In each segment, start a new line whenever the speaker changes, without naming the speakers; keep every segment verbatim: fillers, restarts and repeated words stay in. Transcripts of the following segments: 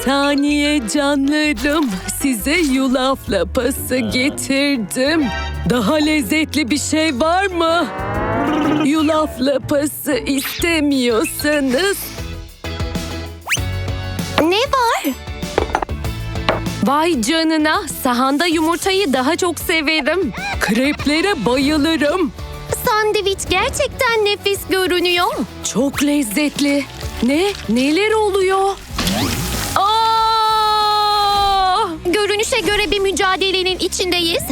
saniye canlarım. Size yulaf lapası getirdim. Daha lezzetli bir şey var mı? Yulaf lapası istemiyorsanız...
Ne var?
Vay canına, sahanda yumurtayı daha çok severim. Kreplere bayılırım.
Sandviç gerçekten nefis görünüyor.
Çok lezzetli. Ne? Neler oluyor? Aa!
Görünüşe göre bir mücadelenin içindeyiz.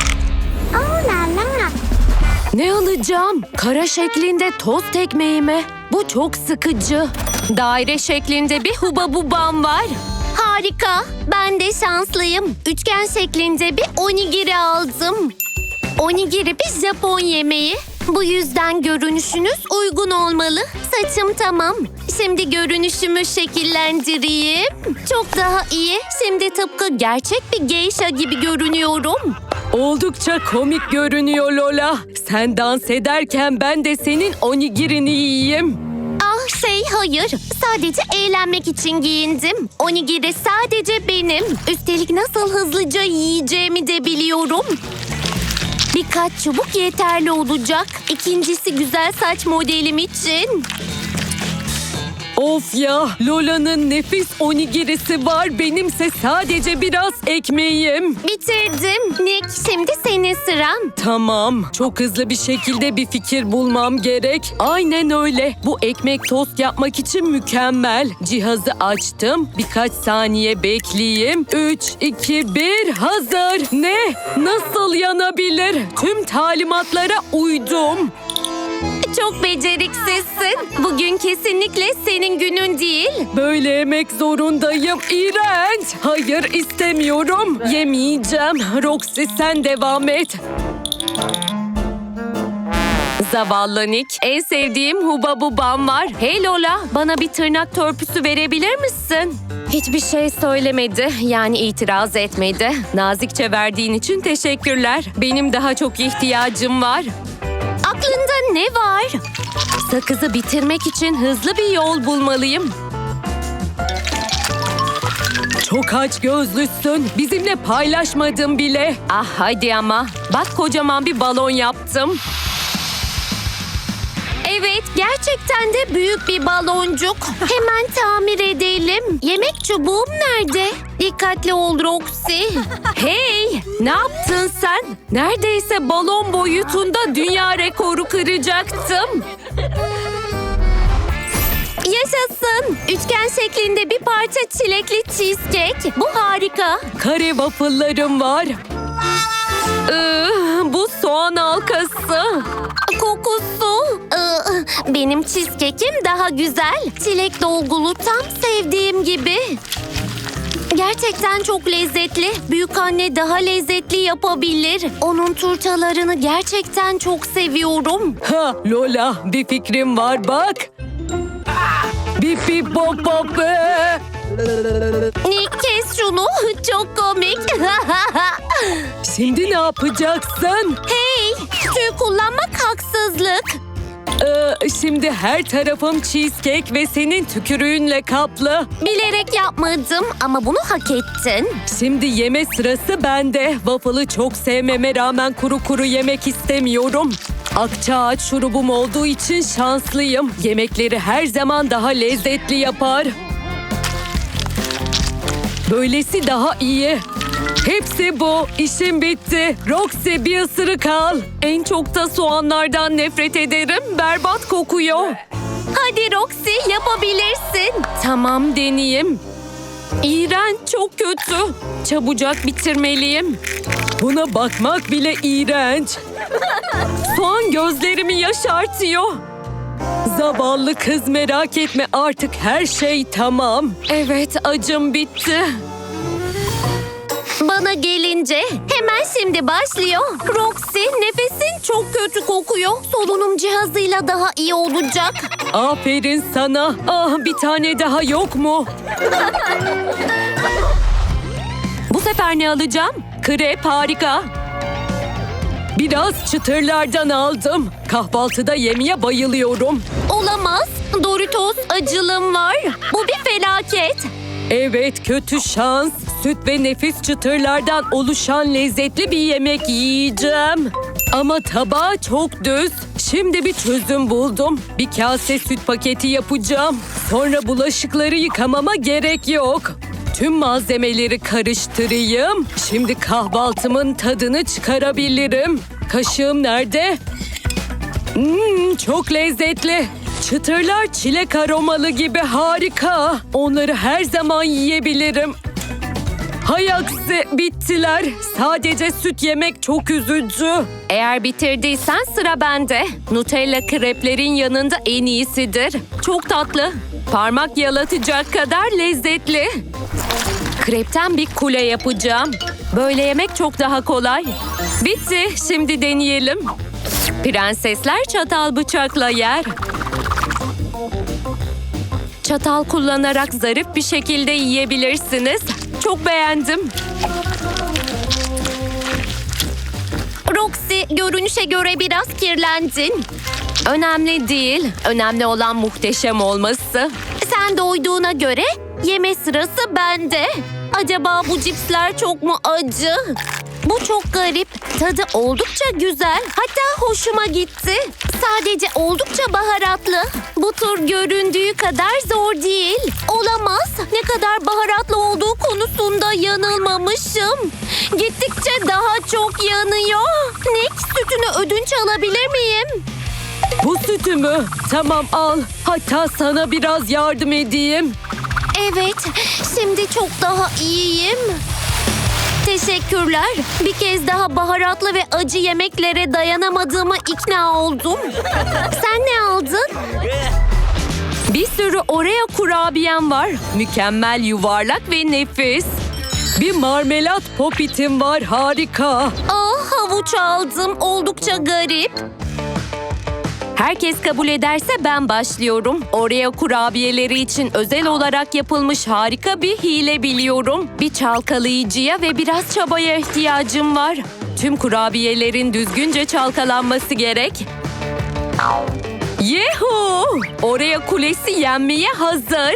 Ne alacağım? Kara şeklinde tost ekmeği mi? Bu çok sıkıcı. Daire şeklinde bir hubabubam var.
Harika. Ben de şanslıyım. Üçgen şeklinde bir onigiri aldım. Onigiri bir Japon yemeği. Bu yüzden görünüşünüz uygun olmalı. Saçım tamam. Şimdi görünüşümü şekillendireyim. Çok daha iyi. Şimdi tıpkı gerçek bir geisha gibi görünüyorum.
Oldukça komik görünüyor Lola. Sen dans ederken ben de senin onigirini yiyeyim.
Ah şey hayır. Sadece eğlenmek için giyindim. Onigiri sadece benim. Üstelik nasıl hızlıca yiyeceğimi de biliyorum. Birkaç çubuk yeterli olacak. İkincisi güzel saç modelim için.
Of ya, Lola'nın nefis onigirisi var. Benimse sadece biraz ekmeğim.
Bitirdim. Nick, şimdi senin sıran.
Tamam, çok hızlı bir şekilde bir fikir bulmam gerek. Aynen öyle. Bu ekmek tost yapmak için mükemmel. Cihazı açtım. Birkaç saniye bekleyeyim. Üç, iki, bir, hazır. Ne? Nasıl yanabilir? Tüm talimatlara uydum.
Çok beceriksizsin. Bugün kesinlikle senin günün değil.
Böyle yemek zorundayım. İğrenç. Hayır, istemiyorum. Yemeyeceğim. Roxy, sen devam et. Zavallı Nick. En sevdiğim hubabubam var. Hey Lola, bana bir tırnak törpüsü verebilir misin? Hiçbir şey söylemedi. Yani itiraz etmedi. Nazikçe verdiğin için teşekkürler. Benim daha çok ihtiyacım var.
Aklında ne var?
Sakızı bitirmek için hızlı bir yol bulmalıyım. Çok aç gözlüsün. Bizimle paylaşmadın bile. Ah hadi ama. Bak kocaman bir balon yaptım.
Evet, gerçekten de büyük bir baloncuk. Hemen tamir edelim. Yemek çubuğum nerede? Dikkatli ol Roxy.
Hey, ne yaptın sen? Neredeyse balon boyutunda dünya rekoru kıracaktım.
Yaşasın. Üçgen şeklinde bir parça çilekli cheesecake. Bu harika.
Kare waffle'larım var. Ee, bu soğan halkası.
Kokusu. Ee, benim cheesecake'im daha güzel. Çilek dolgulu tam sevdiğim gibi. Gerçekten çok lezzetli. Büyükanne daha lezzetli yapabilir. Onun turtalarını gerçekten çok seviyorum.
Ha Lola, bir fikrim var bak. Bip bip bop bop. Ee.
Nick, kes şunu. Çok komik.
Şimdi ne yapacaksın?
Hey, tüy kullanmak haksızlık.
Ee, şimdi her tarafım cheesecake ve senin tükürüğünle kaplı.
Bilerek yapmadım ama bunu hak ettin.
Şimdi yeme sırası bende. Waffle'ı çok sevmeme rağmen kuru kuru yemek istemiyorum. Akçaağaç şurubum olduğu için şanslıyım. Yemekleri her zaman daha lezzetli yapar. Böylesi daha iyi. Hepsi bu. İşim bitti. Roxy, bir ısırık al. En çok da soğanlardan nefret ederim. Berbat kokuyor.
Hadi Roxy, yapabilirsin.
Tamam, deneyeyim. İğrenç, çok kötü. Çabucak bitirmeliyim. Buna bakmak bile iğrenç. Soğan gözlerimi yaşartıyor. Zavallı kız, merak etme, artık her şey tamam. Evet, acım bitti.
Bana gelince hemen şimdi başlıyor. Roxy, nefesin çok kötü kokuyor. Solunum cihazıyla daha iyi olacak.
Aferin sana. Ah, bir tane daha yok mu? Bu sefer ne alacağım? Krep, harika. Biraz çıtırlardan aldım. Kahvaltıda yemeye bayılıyorum.
Olamaz. Doritos acılım var. Bu bir felaket.
Evet, kötü şans. Süt ve nefis çıtırlardan oluşan lezzetli bir yemek yiyeceğim. Ama tabağı çok düz. Şimdi bir çözüm buldum. Bir kase süt paketi yapacağım. Sonra bulaşıkları yıkamama gerek yok. Tüm malzemeleri karıştırayım. Şimdi kahvaltımın tadını çıkarabilirim. Kaşığım nerede? Hmm, çok lezzetli. Çıtırlar çilek aromalı gibi harika. Onları her zaman yiyebilirim. Hay aksi, bittiler. Sadece süt yemek çok üzücü. Eğer bitirdiysen sıra bende. Nutella kreplerin yanında en iyisidir. Çok tatlı. Parmak yalatacak kadar lezzetli. Krepten bir kule yapacağım. Böyle yemek çok daha kolay. Bitti. Şimdi deneyelim. Prensesler çatal bıçakla yer. Çatal kullanarak zarif bir şekilde yiyebilirsiniz. Çok beğendim.
Roxy, görünüşe göre biraz kirlendin.
Önemli değil. Önemli olan muhteşem olması.
Sen doyduğuna göre yeme sırası bende. Acaba bu cipsler çok mu acı? Bu çok garip. Tadı oldukça güzel. Hatta hoşuma gitti. Sadece oldukça baharatlı. Bu tur göründüğü kadar zor değil. Olamaz. Ne kadar baharatlı olduğu konusunda yanılmamışım. Gittikçe daha çok yanıyor. Nick, sütünü ödünç alabilir miyim?
Bu sütü mü? Tamam, al. Hatta sana biraz yardım edeyim.
Evet, şimdi çok daha iyiyim. Teşekkürler. Bir kez daha baharatlı ve acı yemeklere dayanamadığıma ikna oldum. Sen ne aldın?
Bir sürü Oreo kurabiyem var. Mükemmel, yuvarlak ve nefis. Bir marmelat popitim var, harika.
Ah, havuç aldım. Oldukça garip.
Herkes kabul ederse ben başlıyorum. Oreo kurabiyeleri için özel olarak yapılmış harika bir hile biliyorum. Bir çalkalayıcıya ve biraz çabaya ihtiyacım var. Tüm kurabiyelerin düzgünce çalkalanması gerek. Yehu! Oreo kulesi yenmeye hazır.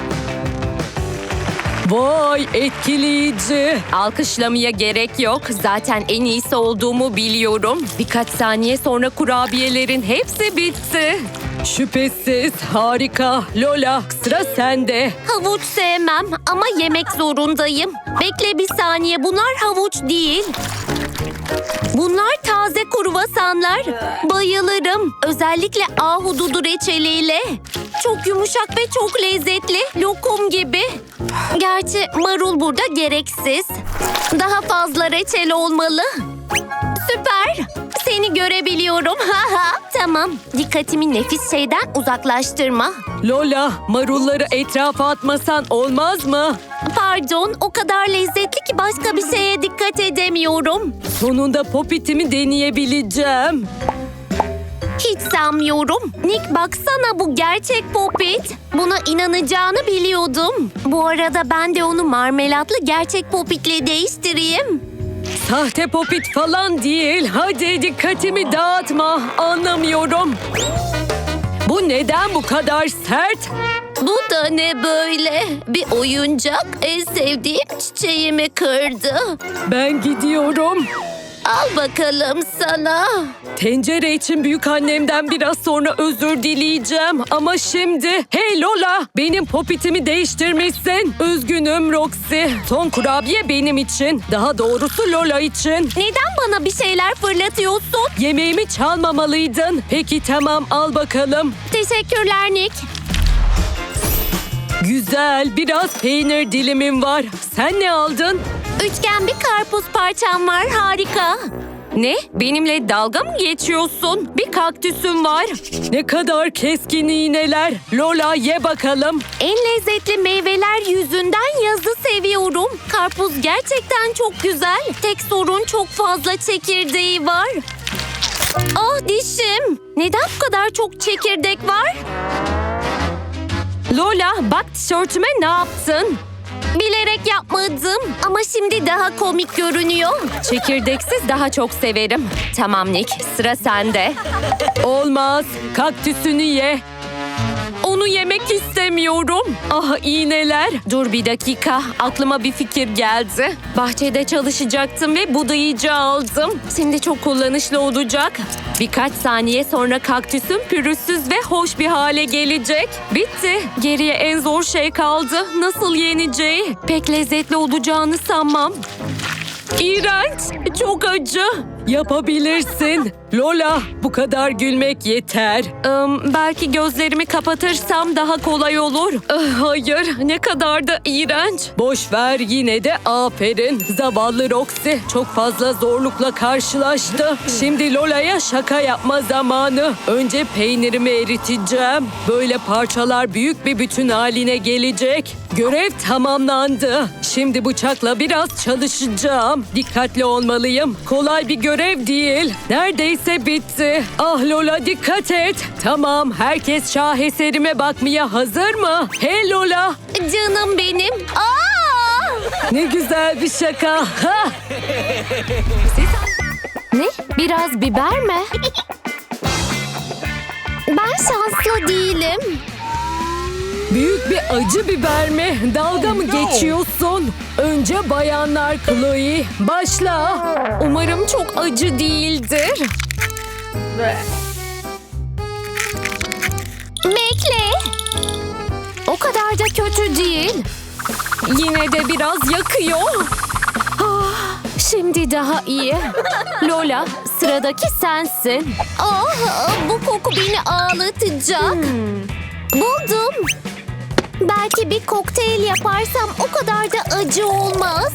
Vay, etkileyici. Alkışlamaya gerek yok. Zaten en iyisi olduğumu biliyorum. Birkaç saniye sonra kurabiyelerin hepsi bitti. Şüphesiz harika. Lola, sıra sende.
Havuç sevmem ama yemek zorundayım. Bekle bir saniye, bunlar havuç değil. Bunlar taze kruvasanlar. Bayılırım. Özellikle ahududu reçeliyle. Çok yumuşak ve çok lezzetli. Lokum gibi. Gerçi marul burada gereksiz. Daha fazla reçel olmalı. Süper. Seni görebiliyorum. Tamam. Dikkatimi nefis şeyden uzaklaştırma.
Lola, marulları etrafa atmasan olmaz mı?
Pardon, o kadar lezzetli ki başka bir şeye dikkat edemiyorum.
Sonunda popitimi deneyebileceğim.
Hiç sanmıyorum. Nick, baksana, bu gerçek popit. Buna inanacağını biliyordum. Bu arada ben de onu marmelatlı gerçek popitle değiştireyim.
Sahte popit falan değil. Hadi dikkatimi dağıtma. Anlamıyorum. Bu neden bu kadar sert?
Bu da ne böyle? Bir oyuncak en sevdiğim çiçeğimi kırdı.
Ben gidiyorum.
Al bakalım sana.
Tencere için büyükannemden biraz sonra özür dileyeceğim. Ama şimdi... Hey Lola! Benim popitimi değiştirmişsin. Üzgünüm Roxy. Son kurabiye benim için. Daha doğrusu Lola için.
Neden bana bir şeyler fırlatıyorsun?
Yemeğimi çalmamalıydın. Peki tamam, al bakalım.
Teşekkürler Nick.
Güzel, biraz peynir dilimim var. Sen ne aldın?
Üçgen bir karpuz parçam var, harika.
Ne? Benimle dalga mı geçiyorsun? Bir kaktüsüm var. Ne kadar keskin iğneler. Lola, ye bakalım.
En lezzetli meyveler yüzünden yazı seviyorum. Karpuz gerçekten çok güzel. Tek sorun çok fazla çekirdeği var. Ah, dişim. Neden bu kadar çok çekirdek var?
Lola, bak tişörtüme ne yaptın?
Bilerek yapmadım ama şimdi daha komik görünüyor.
Çekirdeksiz daha çok severim. Tamam Nick, sıra sende. Olmaz, kaktüsünü ye.
Onu
Bunu yemek istemiyorum. Ah iğneler. Dur bir dakika. Aklıma bir fikir geldi. Bahçede çalışacaktım ve budayıcı aldım. Şimdi çok kullanışlı olacak. Birkaç saniye sonra kaktüsüm pürüzsüz ve hoş bir hale gelecek. Bitti. Geriye en zor şey kaldı. Nasıl yeneceği? Pek lezzetli olacağını sanmam. İğrenç. Çok acı. Yapabilirsin. Lola, bu kadar gülmek yeter. Im, belki gözlerimi kapatırsam daha kolay olur. Ah, hayır, ne kadar da iğrenç. Boş ver, yine de aferin. Zavallı Roxy çok fazla zorlukla karşılaştı. Şimdi Lola'ya şaka yapma zamanı. Önce peynirimi eriteceğim. Böyle parçalar büyük bir bütün haline gelecek. Görev tamamlandı. Şimdi bıçakla biraz çalışacağım. Dikkatli olmalıyım. Kolay bir görev değil. Neredeyse bitti. Ah Lola, dikkat et. Tamam, herkes şaheserime bakmaya hazır mı? Hey Lola.
Canım benim. Aa!
Ne güzel bir şaka. Ha!
Ne? Biraz biber mi? Ben şanslı değilim.
Büyük bir acı biber mi? Dalga mı geçiyorsun? Önce bayanlar Chloe. Başla. Umarım çok acı değildir.
Bekle. O kadar da kötü değil.
Yine de biraz yakıyor.
Ah, şimdi daha iyi.
Lola, sıradaki sensin.
Ah, bu koku beni ağlatacak. Buldum. Belki bir kokteyl yaparsam o kadar da acı olmaz.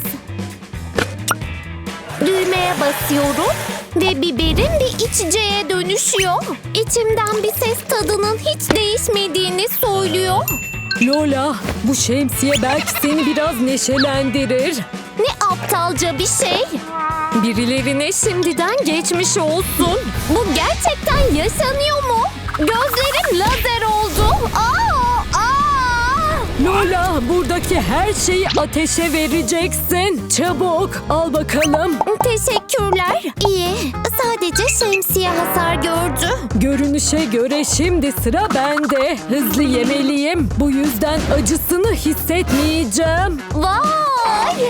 Düğmeye basıyorum ve biberim bir içeceğe dönüşüyor. İçimden bir ses tadının hiç değişmediğini söylüyor.
Lola, bu şemsiye belki seni biraz neşelendirir.
Ne aptalca bir şey.
Birilerine şimdiden geçmiş olsun.
Bu gerçekten yaşanıyor mu? Gözlerim lazer oldu. Aa, aa!
Lola, buradaki her şeyi ateşe vereceksin. Çabuk, al bakalım.
Teşekkürler. İyi. Sadece şemsiye hasar gördü.
Görünüşe göre şimdi sıra bende. Hızlı yemeliyim. Bu yüzden acısını hissetmeyeceğim.
Vay!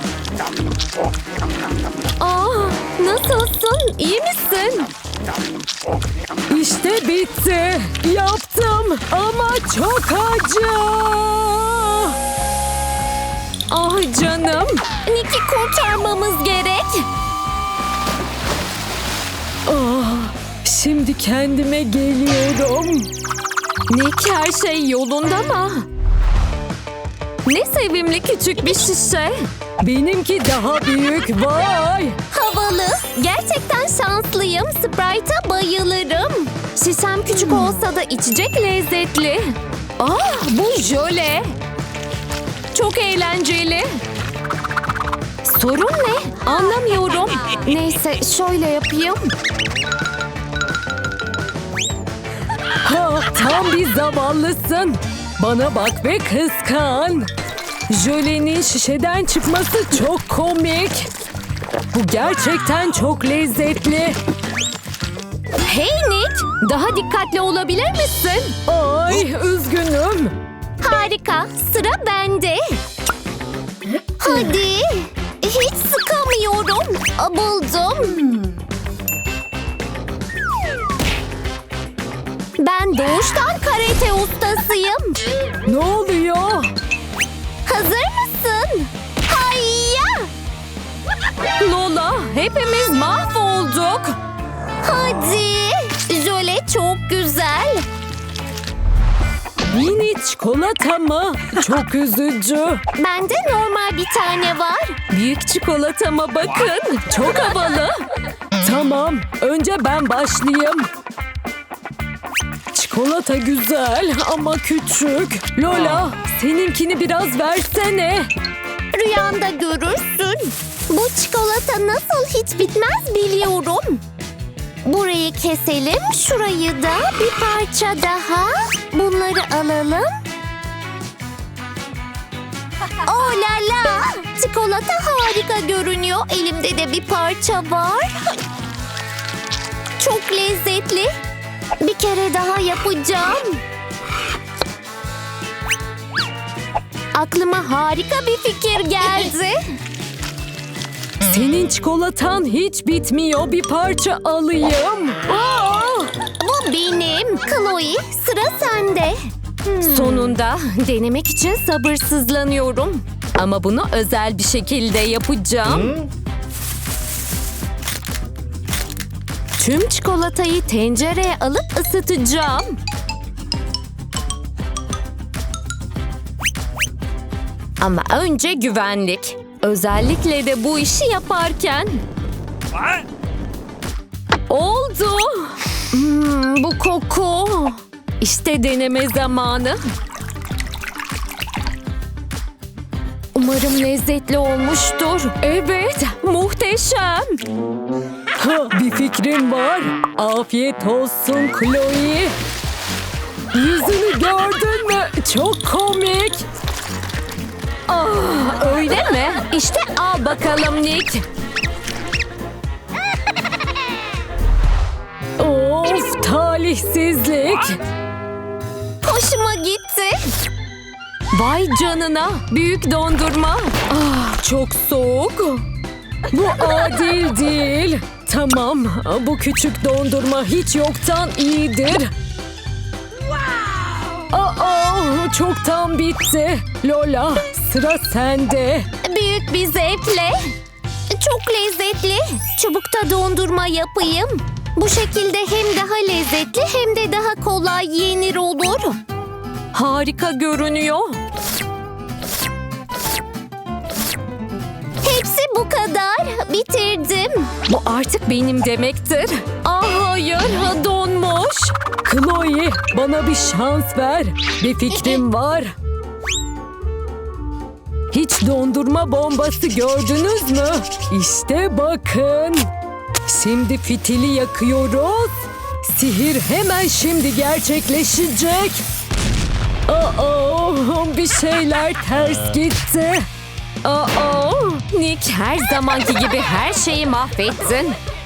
Aa, nasılsın? İyi misin? İşte bitti. Yaptım ama çok acı. Ah canım.
Nick'i kurtarmamız gerek.
Ah, şimdi kendime geliyorum. Nick, her şey yolunda mı? Ne sevimli küçük bir şişe. Benimki daha büyük. Vay.
Havalı. Gerçekten şanslıyım. Sprite'a bayılırım.
Şişem küçük olsa da içecek lezzetli. Ah, bu jöle. Çok eğlenceli. Sorun ne? Anlamıyorum. Neyse, şöyle yapayım. Ha, tam bir zavallısın. Bana bak ve kıskan. Jölenin şişeden çıkması çok komik. Bu gerçekten çok lezzetli. Hey Nick, daha dikkatli olabilir misin? Ay, üzgünüm.
Harika. Sıra bende. Hadi. Hiç sıkamıyorum. Aa, buldum. Ben doğuştan karate ustasıyım.
Ne oluyor?
Hazır mısın? Hayya!
Lola, hepimiz mahvolduk.
Hadi. Jöle çok güzel.
Mini çikolata mı? Çok üzücü.
Bende normal bir tane var.
Büyük çikolatama bakın. Çok havalı. Tamam, önce ben başlayayım. Çikolata güzel ama küçük. Lola, seninkini biraz versene.
Rüyanda görürsün. Bu çikolata nasıl hiç bitmez biliyorum. Burayı keselim, şurayı da bir parça daha. Bunları alalım. Oh la la! Çikolata harika görünüyor. Elimde de bir parça var. Çok lezzetli. Bir kere daha yapacağım. Aklıma harika bir fikir geldi.
Senin çikolatan hiç bitmiyor. Bir parça alayım. Aa!
Bu benim. Chloe, sıra sende.
Sonunda denemek için sabırsızlanıyorum. Ama bunu özel bir şekilde yapacağım. Tüm çikolatayı tencereye alıp ısıtacağım. Ama önce güvenlik. Özellikle de bu işi yaparken. Oldu. Hmm, bu koku. İşte deneme zamanı. Umarım lezzetli olmuştur. Evet, muhteşem. Ha, bir fikrim var. Afiyet olsun Chloe. Yüzünü gördün mü? Çok komik. Ah, öyle mi? İşte al bakalım Nick. Of, talihsizlik.
Hoşuma gitti.
Vay canına, büyük dondurma. Ah, çok soğuk. Bu adil değil. Tamam, bu küçük dondurma hiç yoktan iyidir. Aa, çoktan bitti. Lola, sıra sende.
Büyük bir zevkle. Çok lezzetli. Çubukta dondurma yapayım. Bu şekilde hem daha lezzetli hem de daha kolay yenir olur.
Harika görünüyor.
Hepsi bu kadar. Bitirdim.
Bu artık benim demektir. Ah hayır, donmuş. Chloe, bana bir şans ver. Bir fikrim var. Hiç dondurma bombası gördünüz mü? İşte bakın. Şimdi fitili yakıyoruz. Sihir hemen şimdi gerçekleşecek. Aa, bir şeyler ters gitti. Aa, Nick her zamanki gibi her şeyi mahvettin.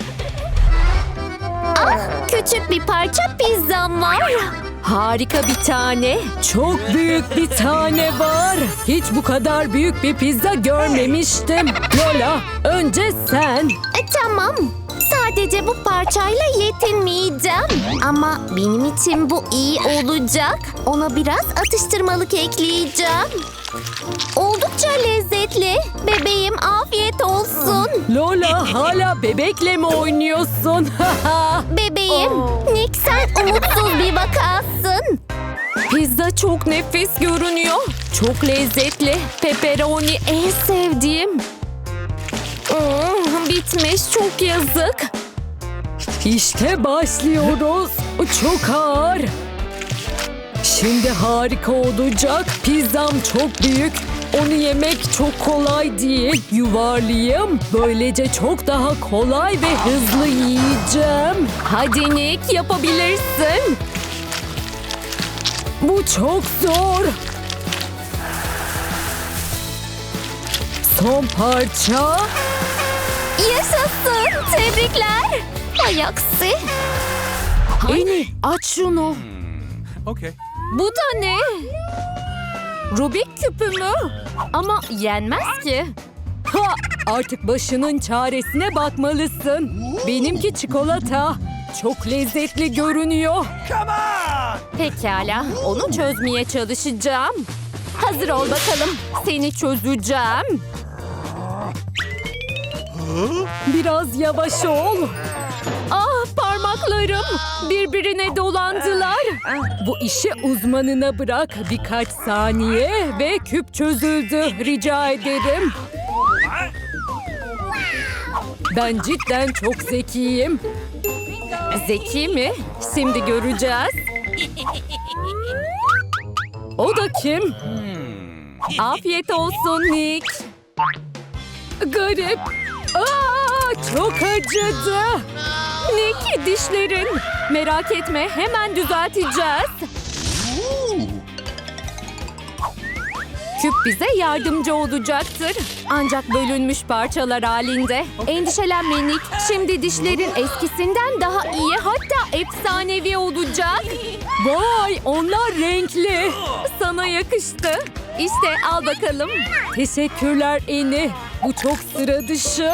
Ah, küçük bir parça pizzam var.
Harika bir tane. Çok büyük bir tane var. Hiç bu kadar büyük bir pizza görmemiştim. Lola, önce sen.
E, tamam. Sadece bu parçayla yetinmeyeceğim. Ama benim için bu iyi olacak. Ona biraz atıştırmalık ekleyeceğim. Oldukça lezzetli. Bebeğim afiyet olsun.
Lola, hala bebekle mi oynuyorsun?
Bebeğim, Nick sen umutsuz bir vakasın.
Pizza çok nefis görünüyor. Çok lezzetli. Pepperoni en sevdiğim. Hmm, bitmiş, çok yazık. İşte başlıyoruz. Çok ağır. Şimdi harika olacak. Pizzam çok büyük. Onu yemek çok kolay değil. Yuvarlayayım. Böylece çok daha kolay ve hızlı yiyeceğim. Hadi Nick, yapabilirsin. Bu çok zor. Son parça.
Yaşasın. Tebrikler. Hay aksi.
Eni, aç şunu.
Okay.
Bu da ne? Rubik küpü mü? Ama yenmez ki. Ha, artık başının çaresine bakmalısın. Benimki çikolata. Çok lezzetli görünüyor.
Come on!
Pekala, onu çözmeye çalışacağım. Hazır ol bakalım. Seni çözeceğim. Biraz yavaş ol. Ah, parmaklarım birbirine dolandılar. Bu işi uzmanına bırak. Birkaç saniye ve küp çözüldü. Rica ederim. Ben cidden çok zekiyim. Zeki mi? Şimdi göreceğiz. O da kim? Afiyet olsun Nick. Garip. Aa, çok acıdı. Nick, dişlerin. Merak etme, hemen düzelteceğiz. Küp bize yardımcı olacaktır. Ancak bölünmüş parçalar halinde. Endişelenme Nick. Şimdi dişlerin eskisinden daha iyi, hatta efsanevi olacak. Vay, onlar renkli. Sana yakıştı. İşte al bakalım. Teşekkürler Eni. Bu çok sıra dışı.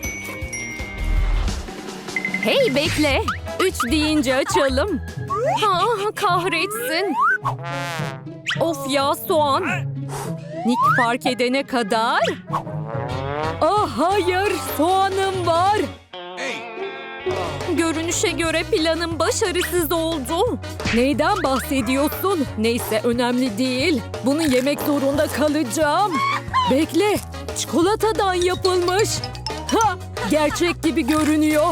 Hey bekle. Üç deyince açalım. Ha, kahretsin. Of ya soğan. Nick fark edene kadar. Ah hayır, soğanım var. Görünüşe göre planım başarısız oldu. Neyden bahsediyorsun? Neyse önemli değil. Bunu yemek zorunda kalacağım. Bekle, çikolatadan yapılmış. Ha, gerçek gibi görünüyor.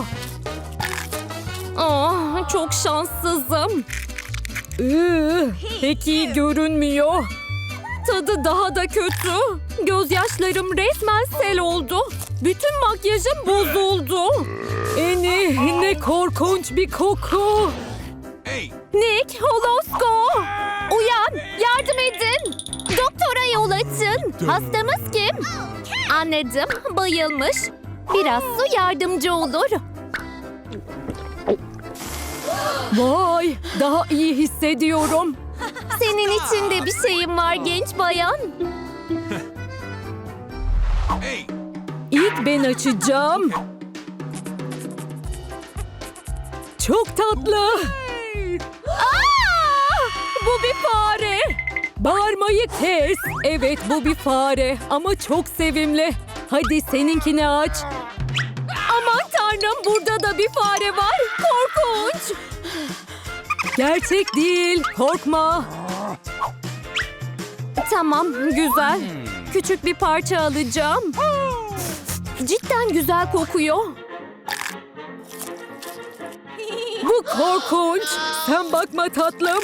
Ah, çok şanssızım. Iı, pek iyi görünmüyor. Tadı daha da kötü. Gözyaşlarım resmen sel oldu. Bütün makyajım bozuldu. Eni, ne korkunç bir koku.
Hey!
Nick, Holosko! Uyan, yardım edin. Doktora yol açın. Hastamız kim? Anladım, bayılmış. Biraz su yardımcı olur.
Vay, daha iyi hissediyorum.
Senin için de bir şeyim var genç bayan.
Hey!
İlk ben açacağım. Çok tatlı.
Aa!
Bu bir fare. Bağırmayı kes. Evet, bu bir fare ama çok sevimli. Hadi seninkini aç. Aman tanrım, burada da bir fare var. Korkunç. Gerçek değil, korkma. Tamam, güzel. Küçük bir parça alacağım. Cidden güzel kokuyor. Bu korkunç. Sen bakma tatlım.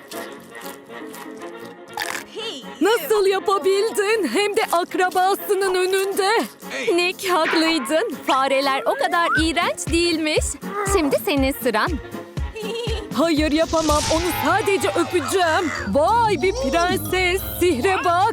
Nasıl yapabildin? Hem de akrabasının önünde. Nick, haklıydın. Fareler o kadar iğrenç değilmiş. Şimdi senin sıran. Hayır yapamam. Onu sadece öpeceğim. Vay bir prenses. Sihre bak.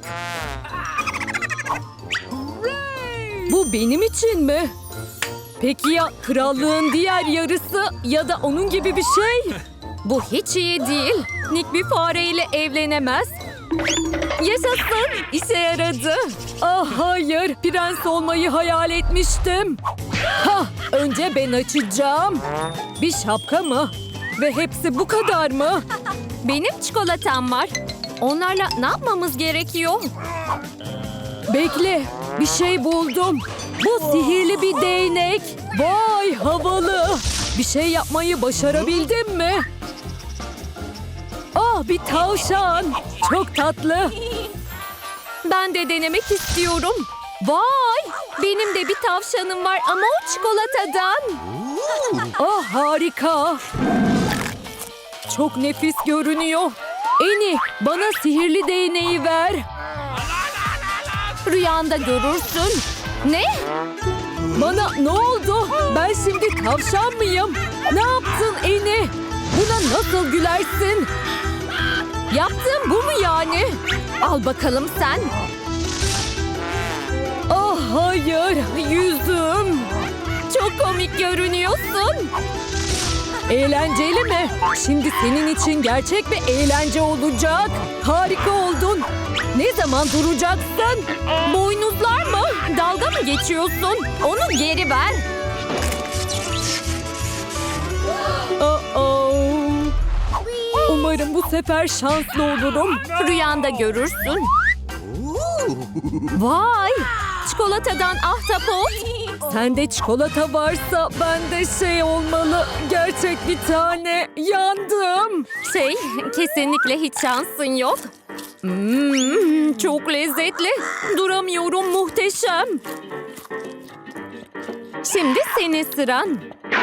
Bu benim için mi? Peki ya krallığın diğer yarısı ya da onun gibi bir şey? Bu hiç iyi değil. Nick bir fareyle evlenemez. Yaşasın, işe yaradı. Ah hayır, prens olmayı hayal etmiştim. Ha, önce ben açacağım. Bir şapka mı? Ve hepsi bu kadar mı? Benim çikolatam var. Onlarla ne yapmamız gerekiyor? Bekle, bir şey buldum. Bu sihirli bir değnek. Vay havalı. Bir şey yapmayı başarabildim mi? Ah bir tavşan. Çok tatlı. Ben de denemek istiyorum. Vay benim de bir tavşanım var ama o çikolatadan. Ah harika. Çok nefis görünüyor. Eni bana sihirli değneği ver. Rüyanda görürsün. Ne? Bana ne oldu? Ben şimdi tavşan mıyım? Ne yaptın Eni? Buna nasıl gülersin? Yaptığın bu mu yani? Al bakalım sen. Ah hayır, yüzüm. Çok komik görünüyorsun. Eğlenceli mi? Şimdi senin için gerçek bir eğlence olacak. Harika oldun. Ne zaman duracaksın? Boynuzlar mı? Dalga mı geçiyorsun? Onu geri ver. Oh-oh. Umarım bu sefer şanslı olurum. Rüyanda görürsün. Vay! Çikolatadan ahtapot. Sende çikolata varsa bende şey olmalı. Gerçek bir tane. Yandım. Şey, kesinlikle hiç şansın yok. Hmm, çok lezzetli. Duramıyorum, muhteşem. Şimdi senin sıran.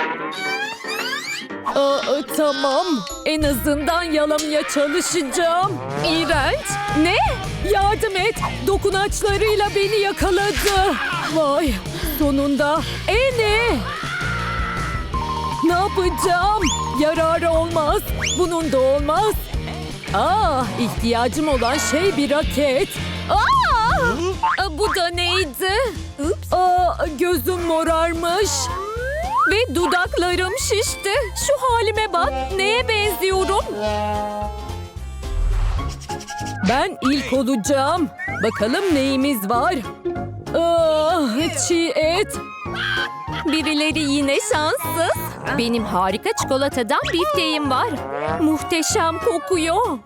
Aa, tamam. En azından yalamaya çalışacağım. İğrenç. Ne? Yardım et. Dokunaçlarıyla beni yakaladı. Vay. Sonunda. Eni. Ne yapacağım? Yararı olmaz. Bunun da olmaz. Aa, ihtiyacım olan şey bir raket. Aa! Aa, bu da neydi? Ups. Aa, gözüm morarmış. Ve dudaklarım şişti. Şu halime bak. Neye benziyorum? Ben ilk olacağım. Bakalım neyimiz var? Ah, çiğ et. Birileri yine şanssız. Benim harika çikolatadan bifteğim var. Muhteşem kokuyor.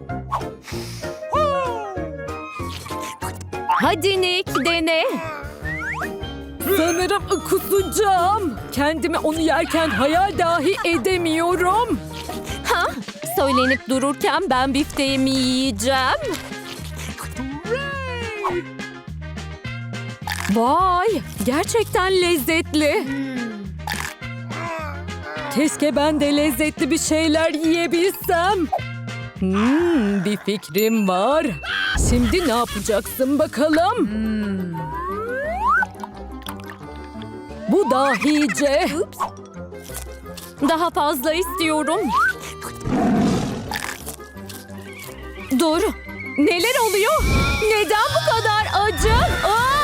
Hadi Nick, dene. Sanırım kusacağım. Kendimi onu yerken hayal dahi edemiyorum. Ha? Söylenip dururken ben bifteğimi yiyeceğim. Vay, gerçekten lezzetli. Keşke ben de lezzetli bir şeyler yiyebilsem. Hmm, bir fikrim var. Şimdi ne yapacaksın bakalım? Bu dahice. Daha fazla istiyorum. Dur. Neler oluyor? Neden bu kadar acı? Aa!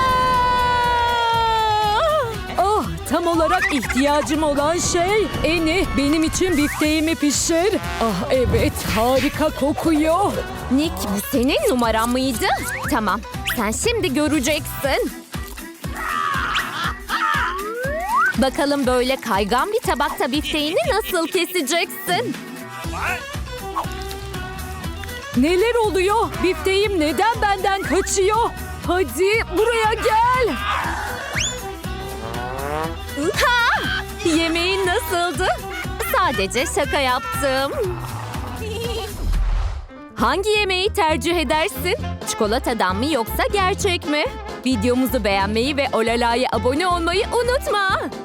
Ah, tam olarak ihtiyacım olan şey. Eni, benim için bifteğimi pişir. Ah evet, harika kokuyor. Nick, bu senin numaran mıydı? Tamam, sen şimdi göreceksin. Bakalım böyle kaygan bir tabakta bifteğini nasıl keseceksin? Neler oluyor? Bifteğim neden benden kaçıyor? Hadi buraya gel. Ha! Yemeğin nasıldı? Sadece şaka yaptım. Hangi yemeği tercih edersin? Çikolatadan mı yoksa gerçek mi? Videomuzu beğenmeyi ve Olala'ya abone olmayı unutma.